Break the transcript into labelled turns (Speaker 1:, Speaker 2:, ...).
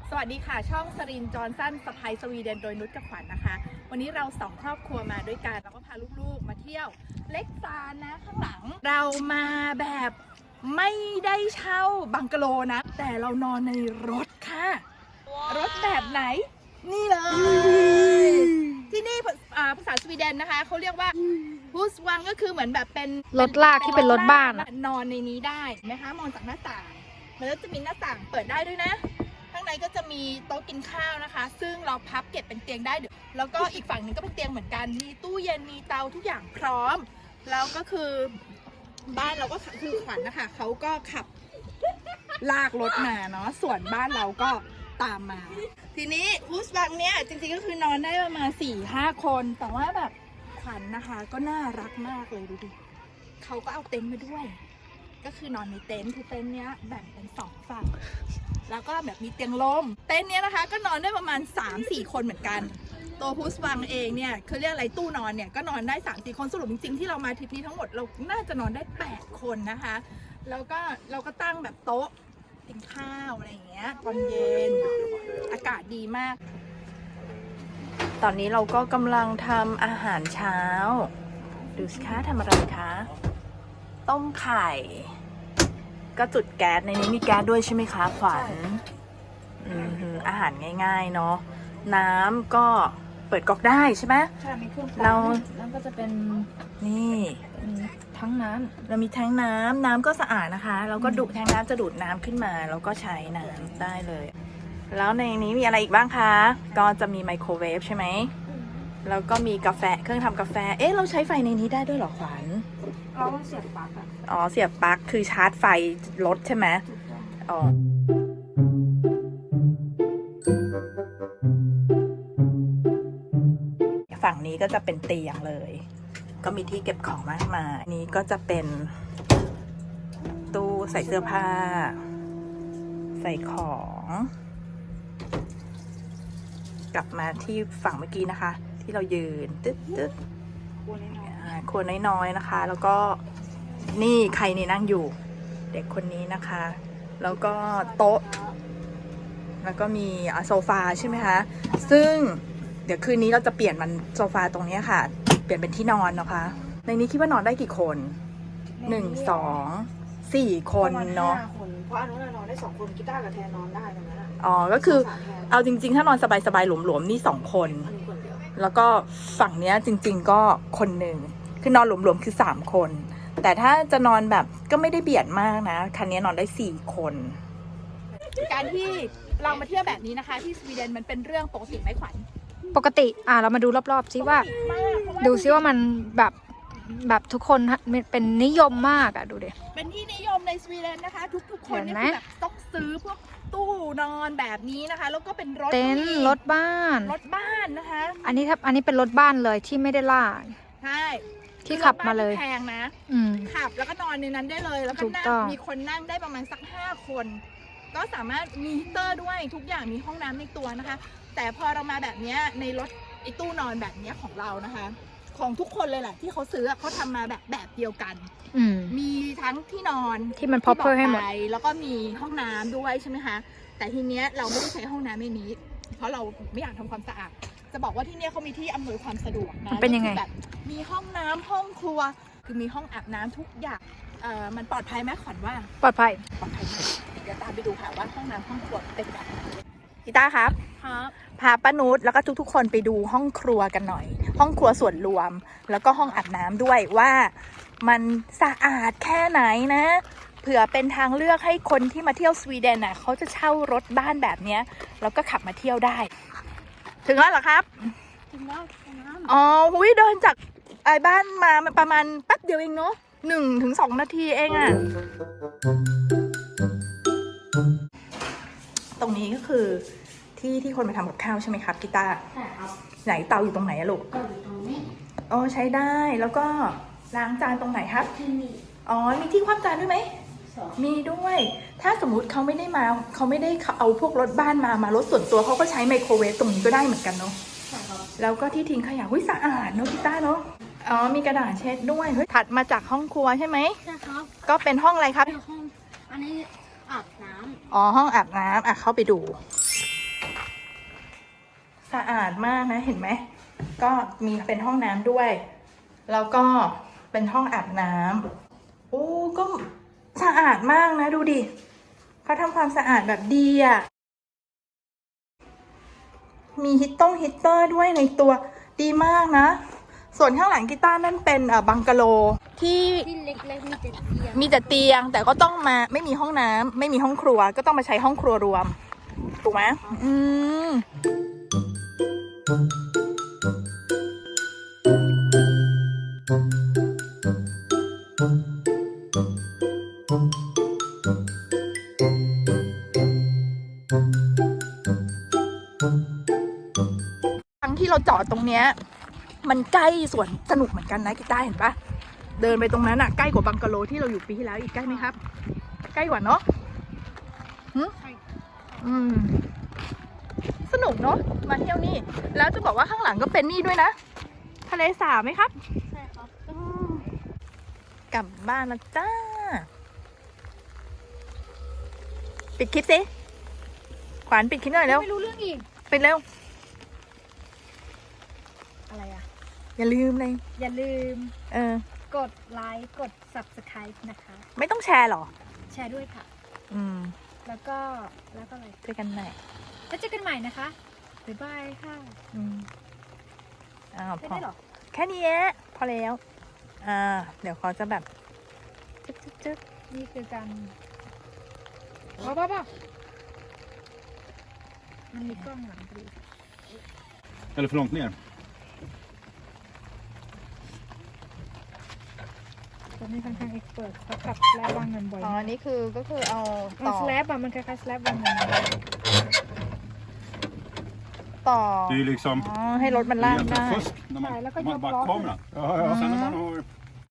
Speaker 1: สวัสดีค่ะช่องสรินจอห์นสันสไปซ์สวีเดนโดยนุชกับขวัญนะคะวันนี้เราสองครอบครัวมาด้วยกันแล้วก็พาลูกๆมาเที่ยวเล็กซานนะข้างหลังเรามาแบบไม่ได้เช่าบังกะโลนะแต่เรานอนในรถค่ะรถแบบไหนนี่เลยที่นี่ภาษาสวีเดนนะคะเขาเรียกว่าฮูสวังก็คือเหมือนแบบเป็น
Speaker 2: รถลากที่เป็นรถบ้าน
Speaker 1: นอนในนี้ได้ไหมคะมองจากหน้าต่างมันก็จะมีหน้าต่างเปิดได้ด้วยนะข้างในก็จะมีโต๊ะกินข้าวนะคะซึ่งเราพับเก็บเป็นเตียงได้แล้วก็อีกฝั่งหนึ่งก็เป็นเตียงเหมือนกันมีตู้เย็นมีเตาทุกอย่างพร้อมแล้วก็คือบ้านเราก็คือขวัญนะคะเขาก็ขับลากรถมาเนาะส่วนบ้านเราก็ตามมาทีนี้ฮูสบังเนี่ยจริงๆก็คือนอนได้ประมาณ 4-5 คนแต่ว่าแบบขวัญนะคะก็น่ารักมากเลยดูดิเขาก็เอาเต็นท์มาด้วยก็คือนอนในเต็นท์คือเต็นท์เนี้ยแบ่งเป็น2ฝั่งแล้วก็แบบมีเตียงลมเต็นท์เนี้ยนะคะก็นอนได้ประมาณ 3-4 คนเหมือนกันตัวฮูสบังเองเนี่ยเขาเรียกอะไรตู้นอนเนี่ยก็นอนได้ 3-4 คนสรุปจริงๆที่เรามาทริปนี้ทั้งหมดเราน่าจะนอนได้8 คนนะคะแล้วก็เราก็ตั้งแบบโต๊ะกินข้าวอะไรอย่างเงี้ยตอนเย็นอากาศดีมากตอนนี้เราก็กำลังทำอาหารเช้าดูสิคะทำอะไรคะต้มไข่ก็จุดแก๊สในนี้มีแก๊สด้วยใช่ไหมคะขวัญอาหารง่ายๆเนาะน้ำก็เปิดก๊อกได้ใช่ไหม
Speaker 2: ใช่มีเครื่องปั่น
Speaker 1: เรา
Speaker 2: แล้วก็จะเป็น
Speaker 1: นี่
Speaker 2: ทั้งน้ำ
Speaker 1: เรามีแทงน้ำก็สะอาดนะคะเราก็ดูแทงน้ำจะดูดน้ำขึ้นมาแล้วก็ใช้น้ำได้เลยแล้วในนี้มีอะไรอีกบ้างคะก็จะมีไมโครเวฟใช่ไหมแล้วก็มีกาแฟเครื่องทำกาแฟเอ๊ะเราใช้ไฟในนี้ได้ด้วยเหรอขวัญ
Speaker 2: เราต้องเสียบปลั๊ก
Speaker 1: อ๋อเสียบปลั๊กคือชาร์จไฟรถใช่ไหมอ๋อฝั่งนี้ก็จะเป็นเตียงเลยก็มีที่เก็บของมากมายนี้ก็จะเป็นตู้ใส่เสื้อผ้าใส่ของกลับมาที่ฝั่งเมื่อกี้นะคะที่เรายืนตึ๊ดครัวน้อยๆนะคะ แล้วก็นี่ใครนี่นั่งอยู่เด็กคนนี้นะคะแล้วก็โต๊ะแล้วก็มีโซฟาใช่ไหมคะซึ่งเดี๋ยวคืนนี้เราจะเปลี่ยนมันโซฟาตรงนี้ค่ะเปลี่ยนเป็นที่นอนนะคะในนี้คิดว่านอนได้กี่คน1-2-4 คนเนาะ
Speaker 2: เพราะอันนู้นนอนได้2 คนกีตาร์กับแทนนอนได้ตรงนั้น
Speaker 1: อ๋อก็คือเอาจริงๆถ้านอนสบายๆหลวมๆนี่2 คนแล้วก็ฝั่งเนี้ยจริงๆก็คนหนึ่งคือนอนหลวมๆคือ3 คนแต่ถ้าจะนอนแบบก็ไม่ได้เบียดมากนะคันนี้นอนได้4 คนการที่เรามาเที่ยวแบบนี้นะคะที่สวีเดนมันเป็นเรื่องปกติไหมขวัญ
Speaker 2: ปกติเรามาดูรอบๆซิว่าดูซิว่ามันแบบทุกคนเป็นนิยมมากดูดิ
Speaker 1: เป็นที่นิยมในสวีเดนนะคะทุกคนเนี่ยแบบต้องซื้อพวกตู้นอนแบบนี้นะคะแล้วก็เป็นรถ
Speaker 2: เต็นท์รถบ้าน
Speaker 1: นะคะ
Speaker 2: อันนี้เป็นรถบ้านเลยที่ไม่ได้ลาก
Speaker 1: ใช่
Speaker 2: ที่ขับมาเลย
Speaker 1: แพงนะขับแล้วก็นอนในนั้นได้เลยแล้วก็นั่งมีคนนั่งได้ประมาณสัก5 คนก็สามารถมีฮีเตอร์ด้วยทุกอย่างมีห้องน้ำในตัวนะคะแต่พอเรามาแบบนี้ในรถไอ้ตู้นอนแบบนี้ของเรานะคะของทุกคนเลยแหละที่เขาซื้อเขาทำมาแบบเดียวกันมีทั้งที่นอน
Speaker 2: ที่มัน proper ให้หมด
Speaker 1: แล้วก็มีห้องน้ำด้วยใช่ไหมคะแต่ทีเนี้ยเราไม่ได้ใช้ห้องน้ำในนี้เพราะเราไม่อยากทำความสะอาดจะบอกว่าที่เนี้ยเขามีที่อำนวยความสะดวกนะ
Speaker 2: เป็นยังไง
Speaker 1: แบบมีห้องน้ำห้องครัวคือมีห้องอาบน้ำทุกอย่างมันปลอดภัยไหมขวัญว่า
Speaker 2: ปลอดภัย
Speaker 1: มากเดี๋ยวตามไปดูค่ะว่าห้องน้ำห้องครัวเป็นแบบไหนพี่ต้าครับพาป้านุชแล้วก็ทุกๆคนไปดูห้องครัวกันหน่อยห้องครัวส่วนรวมแล้วก็ห้องอาบน้ำด้วยว่ามันสะอาดแค่ไหนนะเผื่อเป็นทางเลือกให้คนที่มาเที่ยวสวีเดนน่ะเขาจะเช่ารถบ้านแบบเนี้ยแล้วก็ขับมาเที่ยวได้ถึงแล้วเหรอครับ
Speaker 2: ถึงแล้ว
Speaker 1: อ๋อหุยเดินจากบ้านมาประมาณแป๊บเดียวเองเนาะ1-2 นาทีเองอะตรงนี้ก็คือที่คนไปทำกับข้าวใช่ไหมครับกีตาร์
Speaker 2: ใช่ครับ
Speaker 1: ไหนเตาอยู่ตรงไหนอะลูก
Speaker 2: เตาอยู่ตรงนี้
Speaker 1: อ๋อใช้ได้แล้วก็ล้างจานตรงไหนครับ
Speaker 2: ที่นี่
Speaker 1: อ๋อมีที่คว่ำจานด้วยไหมมีด้วยถ้าสมมุติเขาไม่ได้เอาพวกรถบ้านมารถส่วนตัวเขาก็ใช้ไมโครเวฟตรงนี้ก็ได้เหมือนกันเนาะ
Speaker 2: ใช่ครับ
Speaker 1: แล้วก็ที่ทิ้งขยะสะอาดเนาะกีตาร์เนาะอ๋อมีกระดาษเช็ดด้วยถัดมาจากห้องครัวใช่ไหม
Speaker 2: ใช่ครับ
Speaker 1: ก็เป็นห้องอะไรครับ
Speaker 2: ห้องอันนี้อาบน้ำ
Speaker 1: อ๋อห้องอาบน้ำเข้าไปดูสะอาดมากนะเห็นไหมก็มีเป็นห้องน้ำด้วย แล้วก็เป็นห้องอาบน้ำโอ้ก็สะอาดมากนะดูดิเขาทำความสะอาดแบบดีอ่ะมีฮีตเตอร์ด้วยในตัวดีมากนะส่วนข้างหลังกีตาร์นั่นเป็นบังกะโลที่
Speaker 3: ที่เล็กๆมีแต่เตียง
Speaker 1: มีแต่เตียงแต่ก็ต้องมาไม่มีห้องน้ำไม่มีห้องครัวก็ต้องมาใช้ห้องครัวรวมถูกไหมทั้งที่เราจอดตรงเนี้ยมันใกล้สวนสนุกเหมือนกันนะกีตาร์เห็นปะเดินไปตรงนั้นอะใกล้กว่าบังกะโลที่เราอยู่ปีที่แล้วอีกใกล้ไหมครับ ใกล้กว่าเนาะสนุกเนาะมาเที่ยวนี่แล้วจะบอกว่าข้างหลังก็เป็นนี่ด้วยนะทะเลสาบไหมครับ
Speaker 3: ใช่ครับ
Speaker 1: กลับบ้านแล้วจ้าปิดคลิปสิขวัญปิดคลิปหน่อยเร็ว
Speaker 3: ไม่รู้เรื่องอีก
Speaker 1: ปิดเร็ว
Speaker 3: อะไรอ่ะ
Speaker 1: อย่าลืมเลย
Speaker 3: อย่าลืม
Speaker 1: ก
Speaker 3: กดไลค์กด subscribe นะคะ
Speaker 1: ไม่ต้องแชร์หรอ
Speaker 3: แชร์ด้วยค่ะ แล้วก็อะไร
Speaker 1: เจอกันใหม่
Speaker 3: แล้วเจอกันใหม่นะคะ บ๊ายบายค่ะ
Speaker 1: อ้าว
Speaker 3: ไม่
Speaker 1: พอ
Speaker 3: ได้หรอ
Speaker 1: แค่นี้พอแล้วเดี๋ยวเขาจะแบบจึ๊ก
Speaker 3: นี่คือการบ้ามันมีกล้องหลังพอดี
Speaker 4: Eller för långt ner.
Speaker 3: ตอนนี้ค่อนข้างเอ็กซ์เพิร์เขาขับแลบวางเงินบ่อย
Speaker 1: อ๋อนี่คือก็คือเอาต่อ
Speaker 3: สแลบอะมันคล้ายๆสแลบวางเงิน
Speaker 1: ต่อ
Speaker 4: Det är ju liksom
Speaker 1: อ๋อให้รถมันลากได้
Speaker 4: egentligen fusk när man bara kameran. Och sen när man har